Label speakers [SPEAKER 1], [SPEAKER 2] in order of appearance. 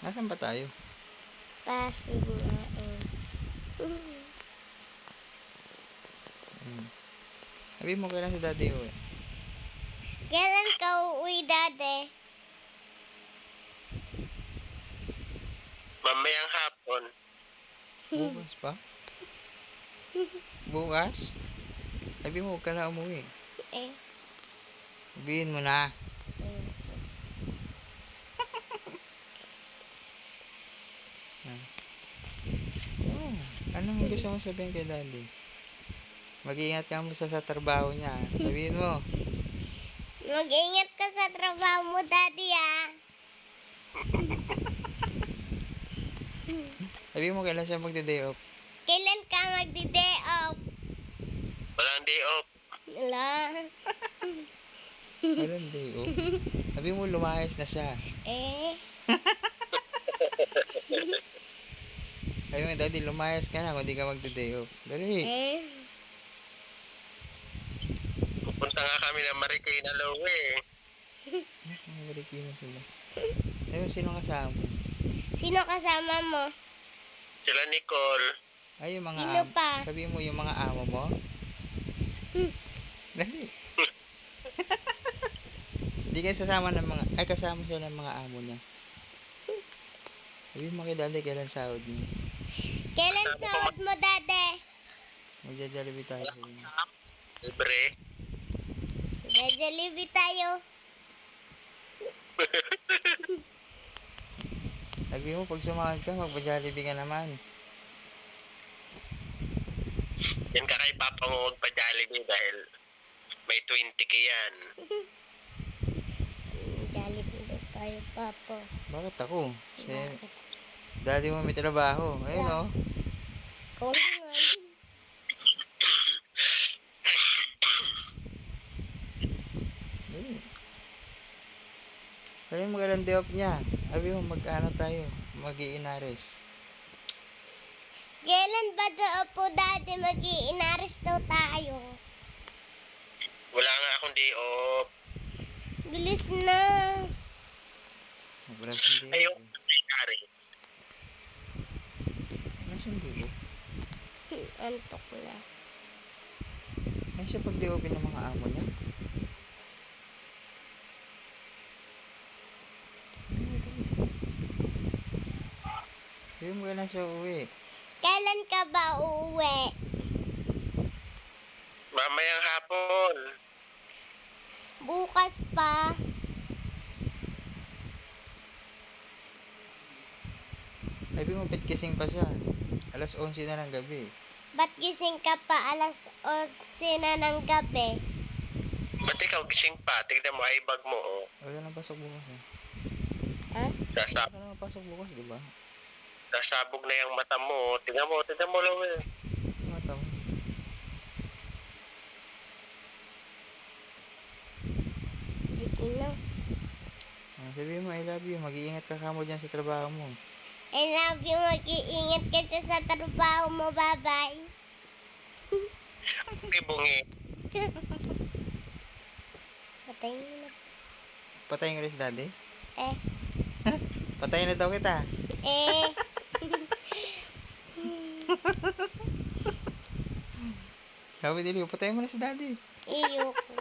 [SPEAKER 1] Nasaan ba tayo?
[SPEAKER 2] Pasig nga eh.
[SPEAKER 1] Sabi mo kailan si daddy uwi?
[SPEAKER 2] Kailan ka uuwi, Dade?
[SPEAKER 3] Mamayang hapon.
[SPEAKER 1] Bukas pa? Bukas? Sabi mo huwag ka na umuwi.
[SPEAKER 2] Eh.
[SPEAKER 1] Sabihin mo na. Anong gusto mo sabihin kay daddy? Mag-iingat ka mo sa trabaho niya. Sabihin mo.
[SPEAKER 2] Mag-ingat ka sa trabaho mo, Daddy, ah.
[SPEAKER 1] Sabihin mo kailan siya magde-day off.
[SPEAKER 2] Kailan ka magdi-day off?
[SPEAKER 3] Walang day off.
[SPEAKER 2] Wala.
[SPEAKER 1] Walang day off. Sabihin mo lumayas na siya.
[SPEAKER 2] Eh.
[SPEAKER 1] Sabi mo, daddy, lumayas ka na kung di ka magde-day off. Dali.
[SPEAKER 2] Eh.
[SPEAKER 3] Pupunta nga kami ng Marikina Lowe.
[SPEAKER 1] Marikina sila. Sabi mo, sino kasama mo?
[SPEAKER 2] Sino kasama mo?
[SPEAKER 3] Sila Nicole.
[SPEAKER 1] Ay, yung mga
[SPEAKER 2] Sino pa?
[SPEAKER 1] Sabi mo yung mga amo mo? Dali. Hindi kayo sasama ng mga... Ay, kasama siya ng mga amo niya. Sabi mo kay daddy, kailan sahod niya?
[SPEAKER 2] Kailan sahod mo, Dade?
[SPEAKER 1] Magja-jollibee tayo.
[SPEAKER 3] Libre.
[SPEAKER 2] Jollibee tayo.
[SPEAKER 1] Sabi mo, pag sumahod ka, magpa-jollibee ka naman.
[SPEAKER 3] Yan ka kay Papa mo magpa-Jollibee dahil may 20k yan.
[SPEAKER 2] Jollibee daw tayo, Papa.
[SPEAKER 1] Bakit ako?
[SPEAKER 2] Bakit?
[SPEAKER 1] Daddy mo may trabaho. Ayun
[SPEAKER 2] Yeah.
[SPEAKER 1] o.
[SPEAKER 2] Ikaw na nga.
[SPEAKER 1] Sabi mo kailan day off niya. Sabi mo mag-ano tayo. Mag-iinares.
[SPEAKER 2] Kailan ba daw po, Dade, mag-i-inaris daw tayo?
[SPEAKER 3] Wala nga akong day off.
[SPEAKER 2] Bilis na.
[SPEAKER 1] Wala siyang day off.
[SPEAKER 3] Ayun, may
[SPEAKER 1] Wala siyang day off.
[SPEAKER 2] Antok na.
[SPEAKER 1] Ay siya pag day off ng mga amo niya. Sabi mo kailan siya uwi.
[SPEAKER 2] Kailan ka ba uuwi?
[SPEAKER 3] Mamayang hapon.
[SPEAKER 2] Bukas pa.
[SPEAKER 1] Sabi mo pitkising pa siya. Alas 11 na ng gabi.
[SPEAKER 2] Ba't gising ka pa alas 11 na ng gabi?
[SPEAKER 3] Ba't ikaw gising pa? Tignan mo, ay bag mo, oh.
[SPEAKER 1] Wala nang pasok bukas eh.
[SPEAKER 2] Ha?
[SPEAKER 3] Sasab
[SPEAKER 1] Wala nang pasok bukas, di ba?
[SPEAKER 3] sasabog na yung mata mo. Tignan mo, Lowe.
[SPEAKER 1] Mata mo.
[SPEAKER 2] Sige na.
[SPEAKER 1] Sabi mo, I love you. Mag-iingat ka kamo dyan sa trabaho mo.
[SPEAKER 2] I love you. Mag-iingat ka dyan sa trabaho mo. Bye-bye.
[SPEAKER 3] Okay, bungi.
[SPEAKER 2] Patayin mo na.
[SPEAKER 1] Patayin ka rin si daddy?
[SPEAKER 2] Eh.
[SPEAKER 1] Patayin na daw kita.
[SPEAKER 2] Eh.
[SPEAKER 1] Sabi nila, patayin mo na si daddy.
[SPEAKER 2] Iyoko.